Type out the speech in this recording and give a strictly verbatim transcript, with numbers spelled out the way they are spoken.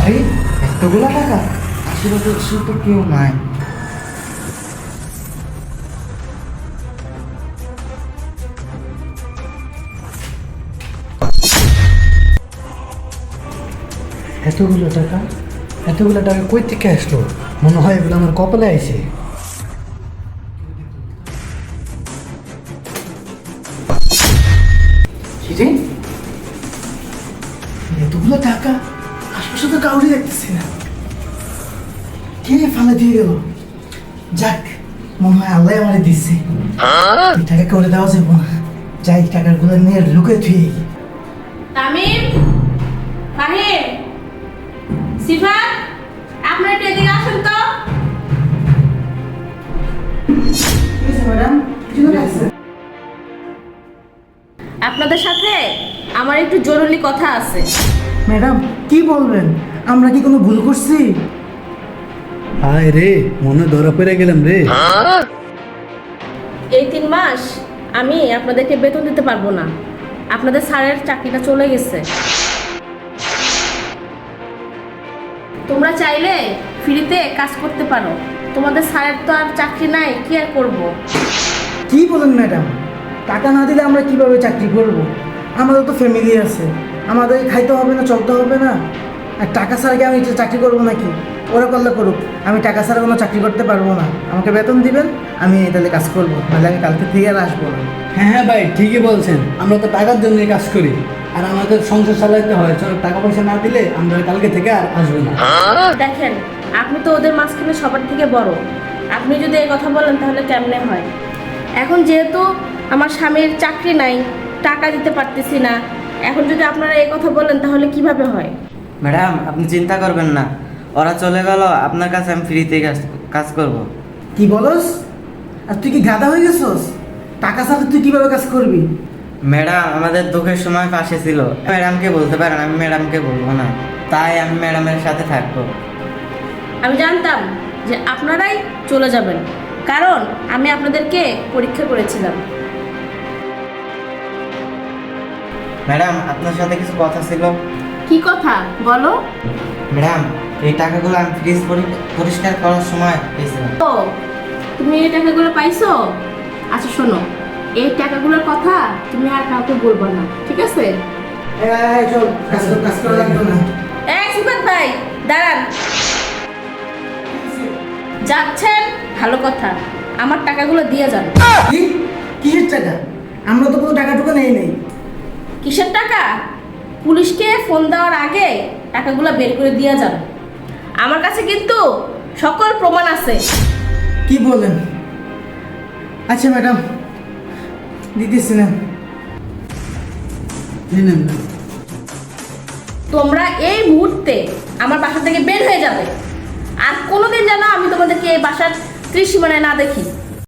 আরে এতগুলো টাকা, আশেপাশে সে তো কেউ নাই। এতগুলো টাকা, এতগুলো টাকা কই থেকে আসলো? মনে হয় এগুলো আমার কপালে আইছে। কিরে, এতগুলো টাকা আশপাশে তো কাউরি দেখতেছি না, কে ফালে দিয়ে গেল? যাক, মনে হয় আল্লাহ আমারে দিচ্ছে। এই টাকা করে দেওয়া যাবো না, যাই টাকাগুলো নিয়ে লুকে থুই। তামিম, ফাহিম, সিফাত, আপনারা একটু এদিকে আসুন তো। ম্যাডাম, কিছু আছে? আপনাদের সাথে আমার একটু জরুরি কথা আছে। ম্যাডাম কি বলবেন? আমরা কি কোনো ভুল করছি? হায় রে, মনে ধরা পড়ে গেলাম রে। এই তিন মাস আমি আপনাদেরকে বেতন দিতে পারবো না। আপনাদের স্যারের চাকরিটা চলে গেছে। তোমরা চাইলে ফ্রিতে কাজ করতে পারো। তোমাদের স্যারের তো আর চাকরি নাই, কি আর করবো? কি বলেন ম্যাডাম? টাকা না দিলে আমরা কিভাবে চাকরি করব? আমাদের তো ফ্যামিলি আছে, আমাদের খাইতে হবে না, চলতে হবে না। আর টাকা ছাড়া কি আমি চাকরি করবো নাকি? ওরা করলে করুক, আমি টাকা ছাড়া কোনো চাকরি করতে পারবো না। আমাকে বেতন দিবেন, আমি তাহলে কাজ করবো, নাহলে আমি কালকে থেকে আর আসবো না। হ্যাঁ হ্যাঁ ভাই, ঠিকই বলছেন। আমরা তো টাকার জন্যই কাজ করি, আর আমাদের সংসার চালাইতে হয়। চলো, টাকা পয়সা না দিলে আমরা কালকে থেকে আর আসবো না। দেখেন, আপনি তো ওদের মাঝখানে সবার থেকে বড়। আপনি যদি এই কথা বলেন তাহলে কেমনে হয়? এখন যেহেতু আমার স্বামীর চাকরি নাই, টাকা দিতে পারতেছি না, এখন যদি আপনারা এই কথা বলেন তাহলে কিভাবে হয়? ম্যাডাম, আপনি চিন্তা করবেন না, ওরা চলে গেল, আপনার কাছে আমি ফ্রিতে কাজ কাজ করব। কি বলস? আর তুই কি গাধা হয়ে গেছস? টাকা ছাড়া তুই কিভাবে কাজ করবি? ম্যাডাম আমাদের দুঃখের সময় পাশে ছিল, ম্যাডামকে বলতে পারেন, আমি ম্যাডামকে বলবো না, তাই আমি ম্যাডামের সাথে থাকবো। আমি জানতাম যে আপনারাই চলে যাবেন, কারণ আমি আপনাদেরকে পরীক্ষা করেছিলাম। ম্যাডাম, আপনার সাথে কিছু কথা ছিল। কি কথা বলো? ম্যাডাম, এই টাকাগুলো আমি ফ্রিজ পরিষ্কার করার সময় পেয়েছিলাম। ও, তুমি এই টাকাগুলো পাইছো? আচ্ছা শোনো, এই টাকাগুলোর কথা তুমি আর কাউকে বলবো না, ঠিক আছে? এই চল, কাজ কর, কাজ করা লাগবে না। এই সিফাত ভাই, দাঁড়ান। যাচ্ছেন, ভালো কথা, আমার টাকাগুলো দিয়ে যান। কি? কিসের টাকা? আমরা তো কোনো টাকা টুকু নেই নেই। কিসের টাকা? পুলিশকে ফোন দেওয়ার আগে টাকাগুলো বের করে দিয়ে যান। আমার কাছে কিন্তু সকল প্রমাণ আছে। কি বলেন? আচ্ছা ম্যাডাম, দিতেছি না। এই নেন না। তোমরা এই মুহূর্তে আমার বাসা থেকে বের হয়ে যাবে, আর কোনোদিন যেন আমি তোমাদেরকে এই বাসার ত্রিসীমানায় না দেখি।